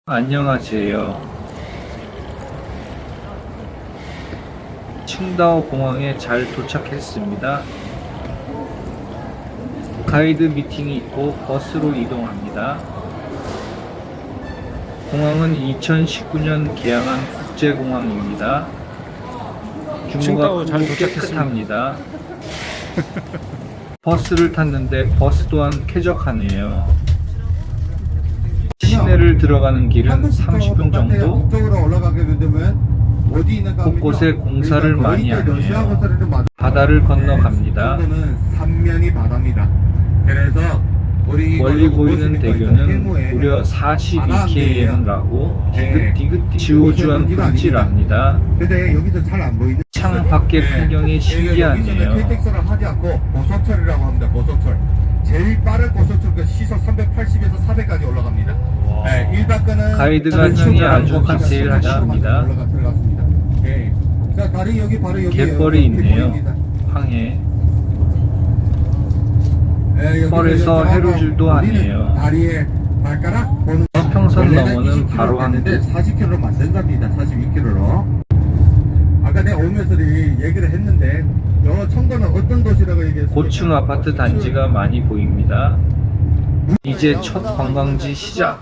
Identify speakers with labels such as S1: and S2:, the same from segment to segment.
S1: 안녕하세요. 칭다오 공항에 잘 도착했습니다. 가이드 미팅이 있고 버스로 이동합니다. 공항은 2019년 개항한 국제공항입니다. 규모가 크고 깨끗합니다. 버스를 tas는데 버스 또한 쾌적하네요. 시내를 들어가는 길은 30분 정도. 곳곳에 공사를 많이 하네요. 바다를 건너갑니다.
S2: 삼면이 바다입니다. 그래서
S1: 멀리 보이는 대교는 무려 42km라고 디귿디귿 지우주한 분지랍니다.
S2: 근데 여기서 잘 안 보이는
S1: 창 밖의 풍경이 신기하네요.
S2: KTX를 하지 않고 고속철이라고 합니다. 고속철. 제일 빠른 고속철 시속 380에서 400까지 올라갑니다. 네, 1박 거는
S1: 가이드가 층이 아주 디테일하십니다.
S2: 들어갔습니다. 네. 자, 다리 여기 바로 여기
S1: 갯벌이 있네요. 황해.
S2: 네,
S1: 뻘에서 해루질도 하네요.
S2: 다리에 발가락 보는
S1: 서평선 너머는 바로 한데
S2: 40km로 만든답니다. 42km로. 아까 내가 오면서 얘기를 했는데 청도는 어떤 도시라고 얘기했어요?
S1: 고층 아파트 단지가 많이 보입니다. 이제 첫 관광지 시작.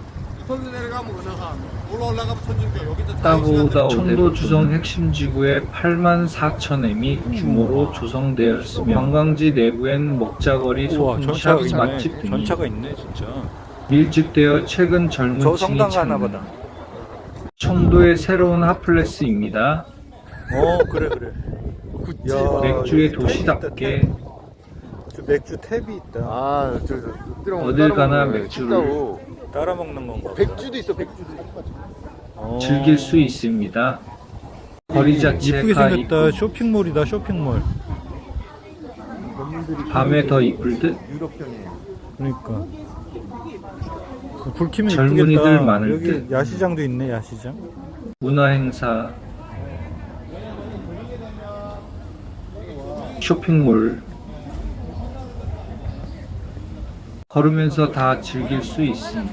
S1: 따보다 청도 주성 핵심 지구의 84,000m이 규모로 조성되어 있으며 관광지 내부엔 먹자거리, 소품샵, 맛집 등이
S3: 전차가 있네 진짜.
S1: 밀집되어 최근 젊은
S3: 저
S1: 층이
S3: 성당 가나
S1: 찾는
S3: 보다.
S1: 청도의 새로운 핫플레스입니다.
S3: 그래. 굿즈.
S1: 맥주의 도시답게
S3: 저 맥주 탭이 있다.
S1: 어딜 가나 맥주를
S3: 따라 먹는 건가?
S4: 백주도 있어, 백주도.
S1: 즐길 수 있습니다. 거리 자체가
S3: 이쁘게 생겼다.
S1: 이쁘고
S3: 쇼핑몰이다. 쇼핑몰.
S1: 밤에 더 이쁠 듯.
S3: 그러니까. 불 켜면
S1: 젊은이들
S3: 이쁘겠다.
S1: 많을
S3: 여기
S1: 듯.
S3: 야시장도 있네. 야시장.
S1: 문화행사, 쇼핑몰, 걸으면서 다 즐길 수 있음.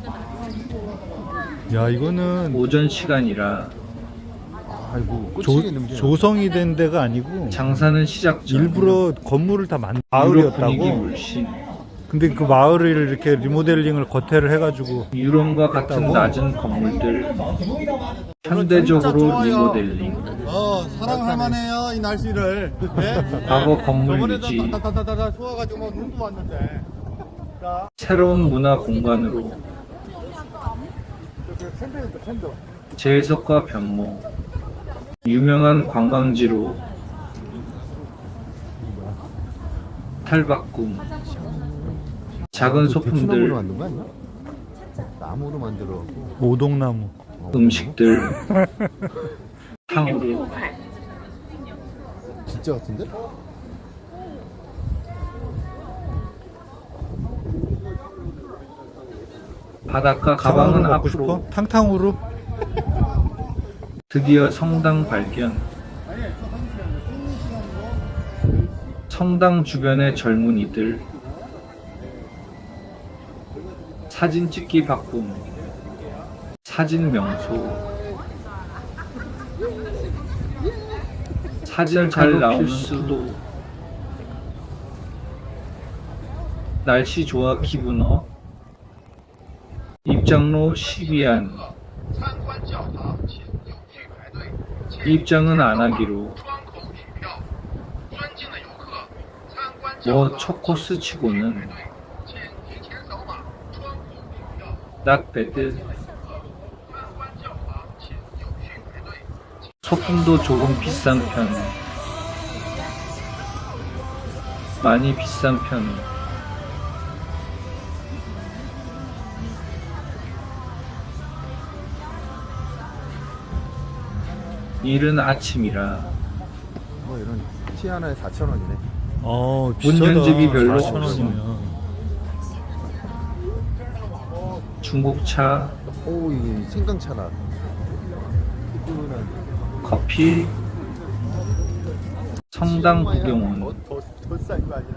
S3: 야 이거는
S1: 오전 시간이라
S4: 아이고,
S3: 조성이 된 데가 아니고
S1: 장사는 시작 전.
S3: 일부러 건물을 다
S1: 유럽
S3: 마을이었다고.
S1: 분위기 물씬.
S3: 근데 그 마을을 이렇게 리모델링을 겉에를 해가지고
S1: 유럽과 같은 낮은 건물들, 현대적으로 리모델링.
S4: 사랑할 만해요, 이 날씨를. 네?
S1: 과거 건물 유지,
S4: 다다다다다 추워가지고 뭐 눈도 왔는데.
S1: 새로운 문화 공간으로 재해석과 변모, 유명한 관광지로 탈바꿈, 작은 소품들,
S4: 만든 거 아니야? 나무로 만들어.
S3: 오동나무.
S1: 음식들, 탕후루,
S4: 진짜 같은데?
S1: 바닷가 가방은
S3: 먹고
S1: 앞으로.
S3: 싶어? 탕탕후루?
S1: 드디어 성당 발견. 성당 주변의 젊은이들, 사진 찍기 바쁨, 사진 명소, 사진 잘 나오는 수도, 날씨 좋아 기분 업, 입장로 12안, 입장은 안 하기로. 뭐 첫 코스 치고는 낙베드. 소품도 조금 비싼 편, 많이 비싼 편. 이른 아침이라
S4: 뭐 이런 티 하나에 4,000원이네.
S3: 비싸다.
S1: 현집이 별로
S3: 4,000원이면.
S1: 중국차,
S4: 오, 이 생강차나.
S1: 커피, 성당 구경원,
S4: 더싼거 아니야?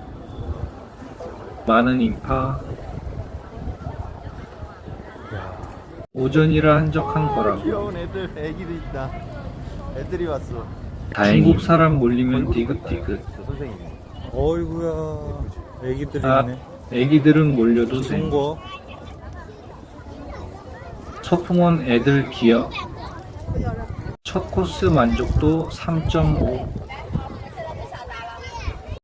S1: 많은 인파, 오전이라 한적한 거라고.
S4: 귀여운 애들, 애기도 있다. 애들이 왔어.
S1: 중국 사람 몰리면 디귿디귿.
S3: 어이구야. 애기들이
S1: 아,
S3: 있네.
S1: 애기들은 몰려도 돼.
S3: 좋은 거.
S1: 소풍원 애들 기억. 첫 코스 만족도 3.5.